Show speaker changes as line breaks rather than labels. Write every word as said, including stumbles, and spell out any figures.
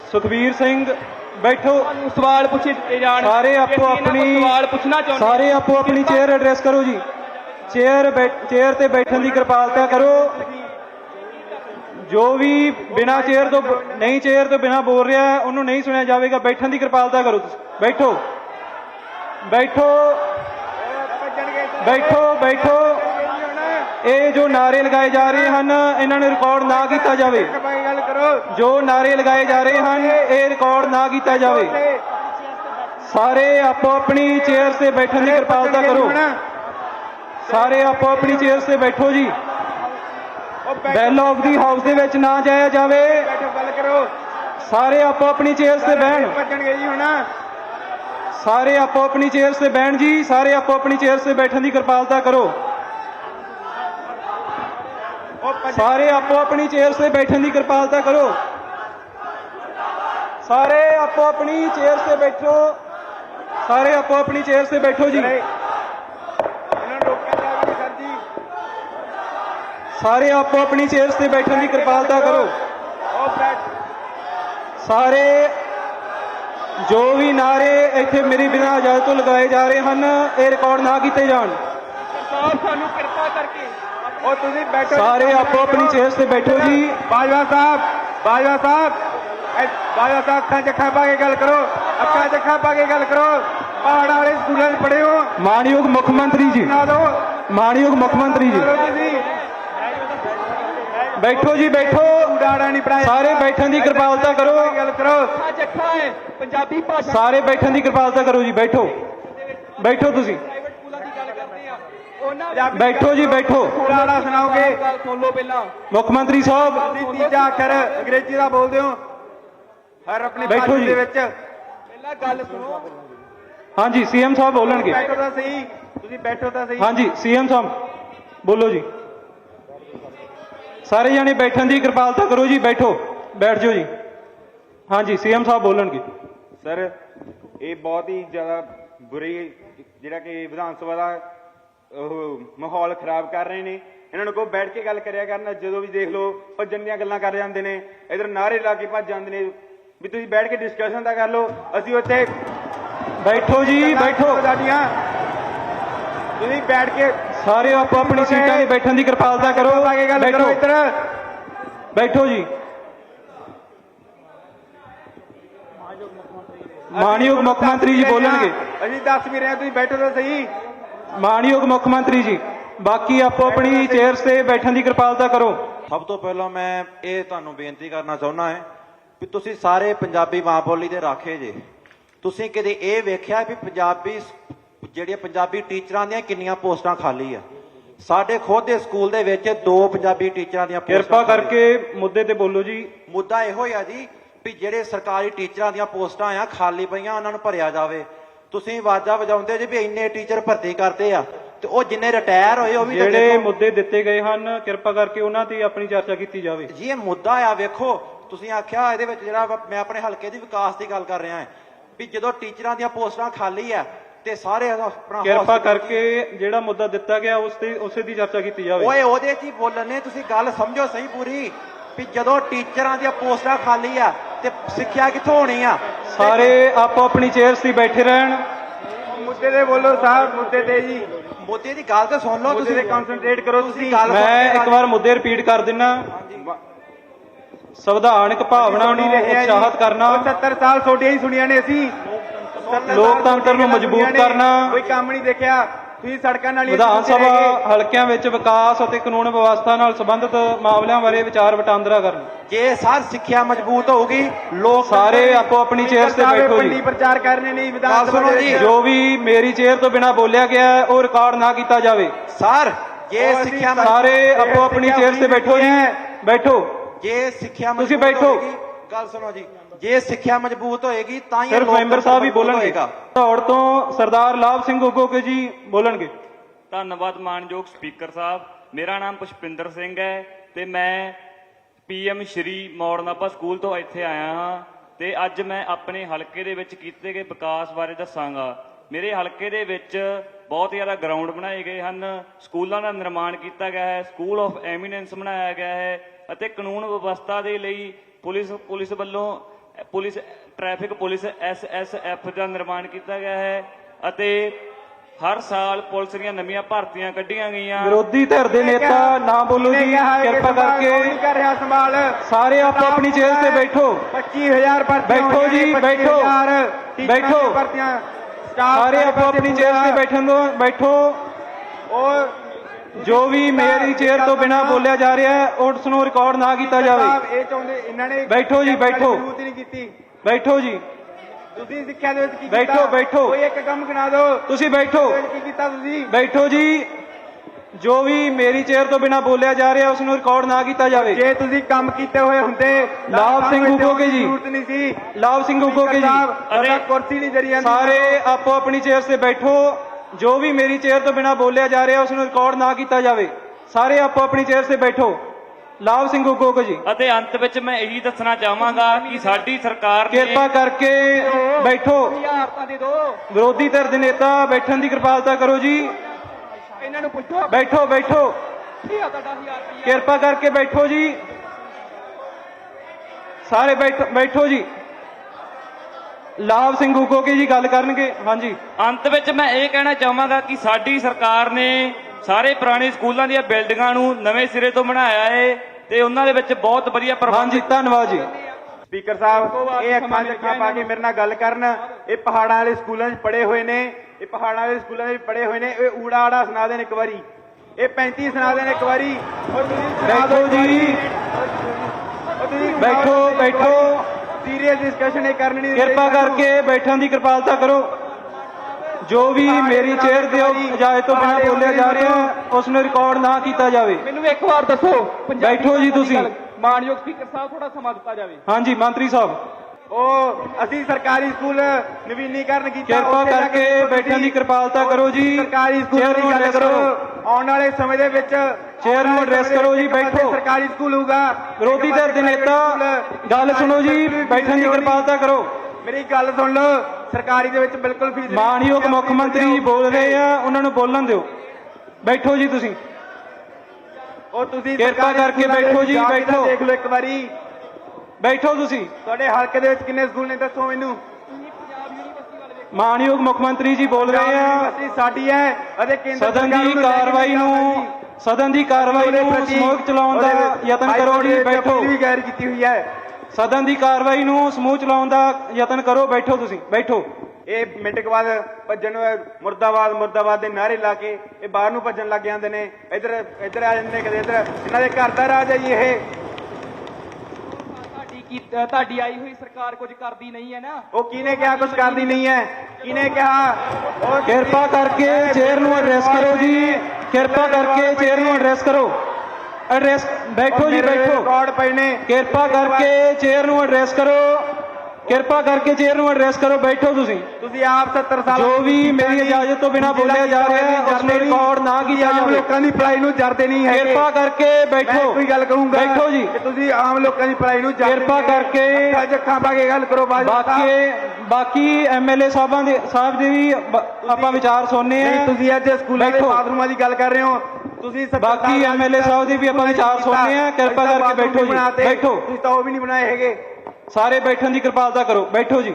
ਸੁਖਬੀਰ ਸਿੰਘ बैठो।
सवाल पूछे जान
सारे आपो अपनी
सवाल पूछना चाहते
सारे आपो अपनी चेयर एड्रेस करो जी। चेयर चेयर ते बैठने की कृपालता करो। जो भी बिना चेयर तो नहीं चेयर तो बिना बोल रहा है उन्होंने नहीं सुना जाएगा। बैठने की कृपालता करो। बैठो बैठो बैठो बैठो। ये जो नारे लगाए जा रहे हैं इन्होंने रिकॉर्ड ना किया जाए। जो नारे लगाए जा रहे हैं ये रिकॉर्ड ना किया जाए। सारे आपो अपनी चेयर से बैठने की कृपालता करो। सारे आपो अपनी चेयर से बैठो जी। बैल ऑफ दी हाउस दे विच ना जाया जाए। सारे आपो अपनी चेयर से बैठ सारे आपो अपनी चेयर से बैठ जी। सारे आपो अपनी चेयर से बैठने की कृपालता करो। सारे आपो अपनी चेयर से बैठने की कृपालता करो। सारे आपो अपनी चेयर से बैठो। सारे आपो अपनी चेयर से बैठो जी। सारे आपो अपनी चेयर से बैठने की कृपालता करो। सारे जो भी नारे इत्थे मेरी बिना इजाजत तो लगाए जा रहे हैं ये रिकॉर्ड ना किए जान। सारे आपो अपनी चेयर से बैठो जी।
बाजवा साहब बाजवा साहब बाजवा साहब अखा च अखा पा के गल करो। अखा च अखा पा के गल करो। पहाड़ वाले स्कूलों में पढ़े हो।
मानयोग मुख्यमंत्री जी मानयोग मुख्यमंत्री जी बैठो जी बैठो।
नहीं पढ़ाया
सारे बैठने की कृपालता करो।
गल करो।
पंजाबी भाषा
सारे बैठने की कृपालता करो जी। बैठो बैठो तुसी बैठो जी बैठो।
पुराना सुनाओगे
सुन लो पहला
मुख्यमंत्री साहब
तीजा अखर अंग्रेजी का बोलते हो हर अपनी
बैठो जी।
पहला गल सुनो।
हाँ जी सीएम साहब बोलणगे।
बैठो तो सही तुसी बैठो तो सही।
हाँ जी सीएम साहब बोलो जी। सारे जाने बैठने की कृपालता करो जी। बैठो बैठ जाओ जी। हाँ जी सीएम साहब बोलणगे।
सर ये बहुत ही ज्यादा बुरी ਜਿਹੜਾ ਕਿ ਵਿਧਾਨ ਸਭਾ ਦਾ ਮਾਹੌਲ ਖਰਾਬ ਕਰ ਰਹੇ ਨੇ। ਇਹਨਾਂ ਨੂੰ ਕੋ ਬੈਠ ਕੇ ਗੱਲ ਕਰਿਆ ਕਰਨ। ਜਦੋਂ ਵੀ ਦੇਖ ਲਓ ਭੱਜਣ ਦੀਆਂ ਗੱਲਾਂ ਕਰ ਜਾਂਦੇ ਨੇ। ਇਧਰ ਨਾਰੇ ਲਾ ਕੇ ਭੱਜ ਜਾਂਦੇ ਨੇ ਵੀ ਤੁਸੀਂ ਬੈਠ ਕੇ ਡਿਸਕਸ਼ਨ ਤਾਂ ਕਰ ਲਓ। ਅਸੀਂ ਉੱਥੇ
बैठो जी बैठो।
ਸਾਡੀਆਂ ਤੁਸੀਂ ਬੈਠ ਕੇ
सारे आपो अपनी सीटां ते बैठने की कृपालता करो।
ਗੱਲ ਕਰੋ ਇੱਧਰ
बैठो जी। मानयोग मुख्यमंत्री जी बोलणगे।
ਅਸੀਂ ਦੱਸ ਵੀ ਰਹੇ ਤੁਸੀਂ ਬੈਠੋ ਤਾਂ ਸਹੀ।
मानयोग मुख्यमंत्री जी बाकी आपो अपनी चेयर से बैठने की कृपालता करो।
ਸਭ ਤੋਂ ਪਹਿਲਾਂ ਮੈਂ ਇਹ ਤੁਹਾਨੂੰ ਬੇਨਤੀ ਕਰਨਾ ਚਾਹੁੰਦਾ ਹਾਂ ਵੀ ਤੁਸੀਂ ਸਾਰੇ ਪੰਜਾਬੀ ਮਾਂ ਬੋਲੀ ਦੇ ਰਾਖੇ ਜੇ। ਤੁਸੀਂ ਕਦੇ ਇਹ ਵੇਖਿਆ ਵੀ ਪੰਜਾਬੀ ਜਿਹੜੀਆਂ ਪੰਜਾਬੀ ਟੀਚਰਾਂ ਦੀਆਂ ਕਿੰਨੀਆਂ ਪੋਸਟਾਂ ਖਾਲੀ ਆ? ਸਾਡੇ ਖੁਦ ਦੇ ਸਕੂਲ ਦੇ ਵਿੱਚ ਦੋ ਪੰਜਾਬੀ ਟੀਚਰਾਂ ਦੀਆਂ ਪੋਸਟਾਂ।
ਕਿਰਪਾ ਕਰਕੇ ਮੁੱਦੇ ਤੇ ਬੋਲੋ ਜੀ।
ਮੁੱਦਾ ਇਹੋ ਹੀ ਆ ਜੀ ਵੀ ਜਿਹੜੇ ਸਰਕਾਰੀ ਟੀਚਰਾਂ ਦੀਆਂ ਪੋਸਟਾਂ ਆ ਖਾਲੀ ਪਈਆਂ ਉਹਨਾਂ ਨੂੰ ਭਰਿਆ ਜਾਵੇ। ਤੁਸੀਂ ਆਵਾਜ਼ਾਂ ਵਜਾਉਂਦੇ ਜੀ ਵੀ ਇੰਨੇ ਟੀਚਰ ਭਰਤੀ ਕਰਦੇ ਆ ਤੇ ਉਹ ਜਿੰਨੇ ਰਿਟਾਇਰ ਹੋਏ ਉਹ ਵੀ
ਜਿਹੜੇ ਮੁੱਦੇ ਦਿੱਤੇ ਗਏ ਹਨ ਕਿਰਪਾ ਕਰਕੇ ਉਹਨਾਂ ਤੇ ਆਪਣੀ ਚਰਚਾ ਕੀਤੀ ਜਾਵੇ
ਜੀ। ਇਹ ਮੁੱਦਾ ਆ ਵੇਖੋ ਤੁਸੀਂ ਆਖਿਆ ਇਹਦੇ ਵਿੱਚ ਜਿਹੜਾ ਮੈਂ ਆਪਣੇ ਹਲਕੇ ਦੀ ਵਿਕਾਸ ਦੀ ਗੱਲ ਕਰ ਰਿਹਾ ਹਾਂ ਵੀ ਜਦੋਂ ਟੀਚਰਾਂ ਦੀਆਂ ਪੋਸਟਾਂ ਖਾਲੀ ਆ ਤੇ ਸਾਰੇ ਆਪਣਾ
ਕਿਰਪਾ ਕਰਕੇ ਜਿਹੜਾ ਮੁੱਦਾ ਦਿੱਤਾ ਗਿਆ ਉਸ ਤੇ ਉਸੇ ਦੀ ਚਰਚਾ ਕੀਤੀ ਜਾਵੇ।
ਓਏ ਉਹਦੇ 'ਚ ਹੀ ਬੋਲਣੇ ਤੁਸੀਂ ਗੱਲ ਸਮਝੋ ਸਹੀ ਪੂਰੀ ਵੀ ਜਦੋਂ ਟੀਚਰਾਂ ਦੀਆਂ ਪੋਸਟਾਂ ਖਾਲੀ ਆ ਤੇ ਸਿੱਖਿਆ ਕਿੱਥੋਂ ਹੋਣੀ ਆ?
ਸਾਰੇ ਆਪੋ ਆਪਣੀ ਚੇਅਰ ਤੇ ਬੈਠੇ ਰਹਿਣ।
ਮੁੱਦੇ ਤੇ ਬੋਲੋ ਸਾਹਿਬ ਮੁੱਦੇ ਤੇ ਜੀ।
ਮੁੱਦੇ ਦੀ ਗੱਲ ਤੇ ਸੁਣ ਲਓ
ਤੁਸੀਂ
ਤੁਸੀਂ
ਕਨਸੈਂਟਰੇਟ ਕਰੋ। ਤੁਸੀਂ
ਗੱਲ
ਮੈਂ ਇੱਕ ਵਾਰ ਮੁੱਦੇ ਰਿਪੀਟ ਕਰ ਦਿੰਨਾ। ਸੰਵਿਧਾਨਕ ਭਾਵਨਾ ਨੂੰ ਉਤਸ਼ਾਹਿਤ ਕਰਨਾ।
ਸੱਤਰ ਸਾਲ ਤੁਹਾਡੀਆਂ ਹੀ ਸੁਣੀਆਂ ਨੇ ਅਸੀਂ।
ਲੋਕਤੰਤਰ ਨੂੰ ਮਜ਼ਬੂਤ ਕਰਨਾ।
ਕੋਈ ਕੰਮ ਨਹੀਂ ਦੇਖਿਆ ਤੁਸੀਂ ਸੜਕਾਂ ਨਾਲ।
ਵਿਧਾਨ ਸਭਾ ਹਲਕਿਆਂ ਵਿੱਚ ਵਿਕਾਸ ਅਤੇ ਕਾਨੂੰਨ ਵਿਵਸਥਾ ਨਾਲ ਸੰਬੰਧਿਤ ਮਾਮਲਿਆਂ ਬਾਰੇ ਵਿਚਾਰ ਵਟਾਂਦਰਾ ਕਰਨ।
ਜੇ ਸਾਰ ਸਿੱਖਿਆ ਮਜ਼ਬੂਤ ਹੋਊਗੀ ਲੋਕ
ਸਾਰੇ ਆਪੋ ਆਪਣੀ ਚੇਅਰ ਤੇ ਬੈਠੋ ਜੀ।
ਪ੍ਰਚਾਰ ਕਰਨੇ ਨਹੀਂ ਵਿਧਾਨ ਸਭਾ
ਜੀ।
ਜੋ ਵੀ ਮੇਰੀ ਚੇਅਰ ਤੋਂ ਬਿਨਾਂ ਬੋਲਿਆ ਗਿਆ ਉਹ ਰਿਕਾਰਡ ਨਾ ਕੀਤਾ ਜਾਵੇ।
ਸਰ ਜੇ ਸਿੱਖਿਆ
ਸਾਰੇ ਆਪੋ ਆਪਣੀ ਚੇਅਰ ਤੇ ਬੈਠੋ ਜੀ। ਬੈਠੋ
ਜੇ ਸਿੱਖਿਆ
ਤੁਸੀਂ ਬੈਠੋ।
ਗੱਲ ਸੁਣੋ ਜੀ। ਜੇ ਸਿੱਖਿਆ ਮਜ਼ਬੂਤ ਹੋਏਗੀ ਤਾਂ ਹੀ
ਸਿਰਫ ਮੈਂਬਰ ਸਾਹਿਬ ਹੀ ਬੋਲਣਗੇ। ਧੌੜ ਤੋਂ ਸਰਦਾਰ ਲਾਭ ਸਿੰਘ ਉਗੋਕੇ ਜੀ ਬੋਲਣਗੇ।
ਧੰਨਵਾਦ ਮਾਨਯੋਗ ਸਪੀਕਰ ਸਾਹਿਬ। ਮੇਰਾ ਨਾਮ ਪੁਸ਼ਪਿੰਦਰ ਸਿੰਘ ਹੈ ਤੇ ਮੈਂ ਪੀਐਮ ਸ਼੍ਰੀ ਮੌੜਨਾਭਾ ਸਕੂਲ ਤੋਂ ਇੱਥੇ ਆਇਆ ਹਾਂ ਤੇ ਅੱਜ ਮੈਂ ਆਪਣੇ ਹਲਕੇ ਦੇ ਵਿੱਚ ਕੀਤੇ ਗਏ ਵਿਕਾਸ ਬਾਰੇ ਦੱਸਾਂਗਾ। ਮੇਰੇ ਹਲਕੇ ਦੇ ਵਿੱਚ ਬਹੁਤ ਜ਼ਿਆਦਾ ਗਰਾਊਂਡ ਬਣਾਏ ਗਏ ਹਨ। ਸਕੂਲਾਂ ਦਾ ਨਿਰਮਾਣ ਕੀਤਾ ਗਿਆ ਹੈ। ਸਕੂਲ ਆਫ ਐਮੀਨੈਂਸ ਬਣਾਇਆ ਗਿਆ ਹੈ ਅਤੇ ਕਾਨੂੰਨ ਵਿਵਸਥਾ ਦੇ ਲਈ ਪੁਲਿਸ ਪੁਲਿਸ ਵੱਲੋਂ police traffic police S S F ਦਾ ਨਿਰਮਾਣ ਕੀਤਾ ਗਿਆ ਹੈ ਅਤੇ ਹਰ ਸਾਲ ਪੁਲਿਸ ਦੀਆਂ ਨਵੀਆਂ ਭਰਤੀਆਂ ਕੱਢੀਆਂ ਗਈਆਂ।
ਵਿਰੋਧੀ ਧਿਰ ਦੇ ਨੇਤਾ ਨਾ ਬੋਲੋ ਜੀ, ਕਿਰਪਾ ਕਰਕੇ
ਕਰ ਰਿਹਾ ਸੰਭਾਲ
ਸਾਰੇ ਆਪੋ ਆਪਣੀ ਚੇਅਰ ਤੇ ਬੈਠੋ।
ਪੱਚੀ ਹਜ਼ਾਰ ਭਰਤੀਆਂ
ਬੈਠੋ ਜੀ,
ਹੋਈਆਂ ਨੇ, ਪੱਚੀ
ਬੈਠੋ।
ਹਜ਼ਾਰ ਟੀਚਰਾਂ ਦੀਆਂ
ਬੈਠੋ।
ਭਰਤੀਆਂ ਸਟਾਫ
ਸਾਰੇ ਆਪੋ ਆਪਣੀ ਚੇਅਰ ਤੇ ਬੈਠਣ ਦੋ, ਬੈਠੋ।
ਉਹ
ਜੋ ਵੀ ਮੇਰੀ ਚੇਅਰ ਤੋਂ ਬਿਨਾਂ ਬੋਲਿਆ ਜਾ ਰਿਹਾ ਹੈ ਉਸ ਨੂੰ ਰਿਕਾਰਡ ਨਾ ਕੀਤਾ ਜਾਵੇ।
ਸਾਹਿਬ ਇਹ ਚਾਹੁੰਦੇ ਇਹਨਾਂ ਨੇ
ਬੈਠੋ ਜੀ, ਬੈਠੋ।
ਜ਼ਰੂਰਤ ਹੀ ਨਹੀਂ ਕੀਤੀ।
ਬੈਠੋ ਜੀ,
ਤੁਸੀਂ ਸਿੱਖਿਆ ਦੇ ਵਿੱਚ ਕੀ
ਬੈਠੋ,
ਕੀਤਾ?
ਬੈਠੋ।
ਕੋਈ ਇੱਕ ਕੰਮ ਗਿਣਾ ਦਿਓ।
ਤੁਸੀਂ ਬੈਠੋ,
ਉਹਦੇ ਵਿੱਚ ਕੀ ਕੀਤਾ ਤੁਸੀਂ?
ਬੈਠੋ ਜੀ। ਜੋ ਵੀ ਮੇਰੀ ਚੇਅਰ ਤੋਂ ਬਿਨਾਂ ਬੋਲਿਆ ਜਾ ਰਿਹਾ ਉਸ ਨੂੰ ਰਿਕਾਰਡ ਨਾ ਕੀਤਾ ਜਾਵੇ।
ਜੇ ਤੁਸੀਂ ਕੰਮ ਕੀਤੇ ਹੋਏ ਹੁੰਦੇ
ਲਾਭ ਸਿੰਘ ਉਗੋਕੇ ਜੀ।
ਜ਼ਰੂਰਤ ਨਹੀਂ ਸੀ।
ਲਾਭ ਸਿੰਘ ਉਗੋਕੇ ਜੀ,
ਅਰੇ ਕੁਰਸੀ ਨਹੀਂ ਜਰੀ ਜਾਂਦੀ।
ਸਾਰੇ ਆਪੋ ਆਪਣੀ ਚੇਅਰ ਤੇ ਬੈਠੋ। ਜੋ ਵੀ ਮੇਰੀ ਚੇਅਰ ਤੋਂ ਬਿਨਾਂ ਬੋਲਿਆ ਜਾ ਰਿਹਾ ਉਸ ਨੂੰ ਰਿਕਾਰਡ ਨਾ ਕੀਤਾ ਜਾਵੇ। ਸਾਰੇ ਆਪੋ ਆਪਣੀ ਚੇਅਰ ਤੇ ਬੈਠੋ। ਲਾਭ ਸਿੰਘ ਉਗੋਕੇ ਜੀ,
ਅਤੇ ਅੰਤ ਵਿੱਚ ਮੈਂ ਇਹੀ ਦੱਸਣਾ ਚਾਹਾਂਗਾ ਕਿ ਸਾਡੀ ਸਰਕਾਰ ਨੇ
ਕਿਰਪਾ ਕਰਕੇ ਬੈਠੋ।
ਹਜ਼ਾਰ ਤਾਂ ਦੇ ਦਿਓ।
ਵਿਰੋਧੀ ਧਿਰ ਦੇ ਨੇਤਾ ਬੈਠਣ ਦੀ ਕਿਰਪਾਲਤਾ ਕਰੋ ਜੀ।
ਇਹਨਾਂ ਨੂੰ ਪੁੱਛੋ
ਬੈਠੋ, ਬੈਠੋ।
ਕੀ ਆ ਤੁਹਾਡਾ ਹਜ਼ਾਰ ਰੁਪਈਆ?
ਕਿਰਪਾ ਕਰਕੇ ਬੈਠੋ ਜੀ। ਸਾਰੇ ਬੈਠੋ, ਬੈਠੋ ਜੀ। ਲਾਭ ਸਿੰਘ ਉਗੋਕੇ ਜੀ ਗੱਲ ਕਰਨਗੇ। ਹਾਂਜੀ,
ਅੰਤ ਵਿੱਚ ਮੈਂ ਇਹ ਕਹਿਣਾ ਚਾਹਾਂਗਾ ਕਿ ਸਾਡੀ ਸਰਕਾਰ ਨੇ ਸਾਰੇ ਪੁਰਾਣੇ ਸਕੂਲਾਂ ਦੀਆਂ ਬਿਲਡਿੰਗਾਂ ਨੂੰ ਨਵੇਂ ਸਿਰੇ ਤੋਂ ਬਣਾਇਆ ਹੈ ਤੇ ਉਹਨਾਂ ਦੇ ਵਿੱਚ ਬਹੁਤ ਵਧੀਆ ਪ੍ਰਬੰਧ
ਹਾਂਜੀ, ਧੰਨਵਾਦ ਜੀ।
ਸਪੀਕਰ ਸਾਹਿਬ ਇਹ ਅੱਖਾਂ 'ਚ ਅੱਖਾਂ ਪਾ ਕੇ ਮੇਰੇ ਨਾਲ ਗੱਲ ਕਰਨ। ਇਹ ਪਹਾੜਾਂ ਵਾਲੇ ਸਕੂਲਾਂ 'ਚ ਪੜ੍ਹੇ ਹੋਏ ਨੇ, ਇਹ ਪਹਾੜਾਂ ਵਾਲੇ ਸਕੂਲਾਂ 'ਚ ਪੜ੍ਹੇ ਹੋਏ ਨੇ। ਇਹ ਊੜਾ ਆੜਾ ਸੁਣਾ ਦੇਣ ਇੱਕ ਵਾਰੀ, ਇਹ ਪੈਂਤੀ ਸੁਣਾ ਦੇਣ ਇੱਕ ਵਾਰੀ। ਔਰ ਤੁਸੀਂ ਸੁਣਾ ਦਿਓ
ਬੈਠੋ ਜੀ,
ਔਰ ਤੁਸੀਂ
ਬੈਠੋ, ਬੈਠੋ।
ਸੀਰੀਅਸ ਡਿਸਕਸ਼ਨ ਇਹ ਕਰਨੀ ਨਹੀਂ।
ਕਿਰਪਾ ਕਰਕੇ ਬੈਠਣ ਦੀ ਕਿਰਪਾਲਤਾ ਕਰੋ। ਜੋ ਵੀ ਮੇਰੀ ਚੇਅਰ ਦੇ ਇਜਾਜ਼ਤ ਤੋਂ ਬਿਨਾਂ ਬੋਲਿਆ ਜਾ ਰਿਹਾ ਉਸ ਨੂੰ ਰਿਕਾਰਡ ਨਾ ਕੀਤਾ ਜਾਵੇ।
ਮੈਨੂੰ ਇੱਕ ਵਾਰ ਦੱਸੋ ਪੰਜਾਬੀ
ਬੈਠੋ ਜੀ ਤੁਸੀਂ।
ਮਾਨਯੋਗ ਸਪੀਕਰ ਸਾਹਿਬ ਥੋੜਾ ਸਮਾਂ ਦਿੱਤਾ ਜਾਵੇ।
ਹਾਂਜੀ, ਮੰਤਰੀ ਸਾਹਿਬ
ਉਹ ਅਸੀਂ ਸਰਕਾਰੀ ਸਕੂਲ ਨਵੀਨੀਕਰਨ ਕੀਤਾ।
ਕਿਰਪਾ
ਉੱਥੇ ਜਾ
ਕਰਕੇ
ਕੇ
ਬੈਠਣ ਦੀ
ਤੁਸੀਂ
ਕਿਰਪਾਲਤਾ ਕਰੋ ਜੀ।
ਸਰਕਾਰੀ ਸਕੂਲ
ਚੇਅਰ
ਦੀ
ਨੂੰ
ਗੱਲ
address
ਕਰੋ।
ਕਰੋ।
ਆਉਣ ਵਾਲੇ ਸਮੇਂ ਦੇ ਵਿੱਚ
ਚੇਅਰ ਨੂੰ address ਕਰੋ ਜੀ, ਬੈਠੋ।
ਸਰਕਾਰੀ ਸਕੂਲ ਹੋਊਗਾ।
ਵਿਰੋਧੀ ਧਿਰ ਦੇ ਨੇਤਾ ਗੱਲ ਸੁਣੋ ਜੀ, ਬੈਠਣ ਦੀ ਕਿਰਪਾਲਤਾ ਕਰੋ।
ਮੇਰੀ ਗੱਲ ਸੁਣ ਲਓ। ਸਰਕਾਰੀ ਦੇ ਵਿੱਚ ਬਿਲਕੁਲ ਫੀਸ ਨਹੀਂ।
ਮਾਨਯੋਗ ਮੁੱਖ ਮੰਤਰੀ ਜੀ ਬੋਲ ਰਹੇ ਆ, ਉਹਨਾਂ ਨੂੰ ਬੋਲਣ ਦਿਓ। ਬੈਠੋ ਜੀ ਤੁਸੀਂ।
ਉਹ ਤੁਸੀਂ
ਕਿਰਪਾ
ਸਰਕਾਰੀ
ਕਰਕੇ
ਸਕੂਲਾਂ ਦੇ
ਬੈਠੋ ਜੀ,
ਜਾ ਕੇ
ਬੈਠੋ।
ਦੇਖ ਲਓ ਇੱਕ ਵਾਰੀ।
ਬੈਠੋ ਤੁਸੀਂ।
ਤੁਹਾਡੇ ਹਲਕੇ ਦੇ ਵਿੱਚ ਕਿੰਨੇ ਸਕੂਲ ਨੇ ਦੱਸੋ ਮੈਨੂੰ।
ਮਾਨਯੋਗ ਮੁੱਖ ਮੰਤਰੀ ਜੀ ਬੋਲ ਰਹੇ ਆ।
ਯੂਨੀਵਰਸਿਟੀ ਸਾਡੀ ਹੈ ਅਤੇ ਕੇਂਦਰ
ਸਦਨ
ਸਰਕਾਰ
ਦੀ
ਨੂੰ ਲੈ ਕੇ
ਕਾਰਵਾਈ ਨੂੰ ਸਦਨ ਦੀ ਕਾਰਵਾਈ ਨੂੰ ਸਮੂਹਕ ਚਲਾਉਣ ਦਾ ਯਤਨ ਕਰੋ ਜੀ। ਬੈਠੋ।
ਵੀ ਗੈਰ ਕੀਤੀ ਹੋਈ ਹੈ।
ਸਦਨ ਦੀ ਕਾਰਵਾਈ ਨੂੰ ਸਮੂਹ ਚਲਾਉਣ ਦਾ ਯਤਨ ਕਰੋ। ਬੈਠੋ ਤੁਸੀਂ, ਬੈਠੋ।
ਇਹ ਮਿੰਟ ਕੁ ਬਾਅਦ ਭੱਜਣ ਨੂੰ ਮੁਰਦਾਬਾਦ ਮੁਰਦਾਬਾਦ ਦੇ ਨਾਅਰੇ ਲਾ ਕੇ ਇਹ ਬਾਹਰ ਨੂੰ ਭੱਜਣ ਲੱਗ ਜਾਂਦੇ ਨੇ। ਇੱਧਰ ਇੱਧਰ ਆ ਜਾਂਦੇ ਨੇ, ਕਦੇ ਇੱਧਰ। ਇਹਨਾਂ ਦੇ ਘਰ ਦਾ ਰਾਜ ਹੈ ਜੀ ਇਹ।
ਤੁਹਾਡੀ ਕੀ ਤੁਹਾਡੀ ਆਈ ਹੋਈ ਸਰਕਾਰ ਕੁਝ ਕਰਦੀ ਨਹੀਂ ਹੈ ਨਾ।
ਉਹ ਕਿਹਨੇ ਕਿਹਾ ਕੁਝ ਕਰਦੀ ਨਹੀਂ ਹੈ? ਕਿਹਨੇ ਕਿਹਾ? ਉਹ
ਕਿਰਪਾ ਕਰਕੇ ਚੇਅਰ ਨੂੰ ਐਡਰੈਸ ਕਰੋ ਜੀ। ਕਿਰਪਾ ਕਰਕੇ ਚੇਅਰ ਨੂੰ ਐਡਰੈਸ ਕਰੋ। ਐਡਰੈਸ ਬੈਠੋ ਜੀ, ਬੈਠੋ।
ਰਿਕਾਰਡ ਪਏ ਨੇ।
ਕਿਰਪਾ ਕਰਕੇ ਚੇਅਰ ਨੂੰ ਐਡਰੈਸ ਕਰੋ। ਕਿਰਪਾ ਕਰਕੇ ਚੇਅਰ ਨੂੰ ਐਡਰੈਸ ਕਰੋ। ਬੈਠੋ ਤੁਸੀਂ।
ਤੁਸੀਂ ਆਪ ਸੱਤਰ ਸਾਲ
ਜੋ ਵੀ ਮੇਰੀ ਇਜਾਜ਼ਤ ਤੋਂ ਬਿਨਾਂ ਬੋਲਿਆ ਜਾ ਰਿਹਾ ਹੈ ਉਸ ਨੂੰ ਰਿਕਾਰਡ ਨਾ ਕੀਤਾ
ਆਮ
ਜਾਵੇ।
ਲੋਕਾਂ ਦੀ ਭਲਾਈ ਨੂੰ ਜਰਦੇ ਨਹੀਂ ਹੈਗੇ।
ਕਿਰਪਾ ਕਰਕੇ
ਮੈਂ
ਬੈਠੋ।
ਕੋਈ ਗੱਲ ਕਰੂੰਗਾ
ਬੈਠੋ ਜੀ।
ਕਿ ਤੁਸੀਂ ਆਮ ਲੋਕਾਂ ਦੀ ਭਲਾਈ ਨੂੰ ਜਰਦੇ
ਕਿਰਪਾ ਕਰਕੇ
ਅੱਜ ਅੱਖਾਂ ਪਾ ਕੇ ਗੱਲ ਕਰੋ। ਬਾਜਵਾ ਸਾਹਿਬ।
ਬਾਕੀ ਬਾਕੀ ਐਮਐਲਏ ਸਾਹਿਬਾਂ ਦੇ ਸਾਹਿਬ ਦੇ ਵੀ ਬ- ਆਪਾਂ ਵਿਚਾਰ ਸੁਣਨੇ
ਨਹੀਂ,
ਆ।
ਤੁਸੀਂ ਅੱਜ ਸਕੂਲਾਂ ਦੇ
ਬੈਠੋ।
ਬਾਥਰੂਮਾਂ ਦੀ ਗੱਲ ਕਰ ਰਹੇ ਹੋ। ਤੁਸੀਂ ਸੱਤਰ
ਬਾਕੀ
ਸਾਲ
ਐਮਐਲਏ ਸਾਹਿਬ ਦੇ ਵੀ ਆਪਾਂ ਵਿਚਾਰ ਸੁਣਨੇ ਆ। ਕਿਰਪਾ ਕਰਕੇ ਬੈਠੋ ਜੀ, ਬੈਠੋ।
ਤੁਸੀਂ ਤਾਂ ਉਹ ਵੀ ਨਹੀਂ ਬਣਾਏ ਹੈਗੇ।
ਸਾਰੇ ਬੈਠਣ ਦੀ ਕਿਰਪਾਲਤਾ ਕਰੋ। ਬੈਠੋ ਜੀ।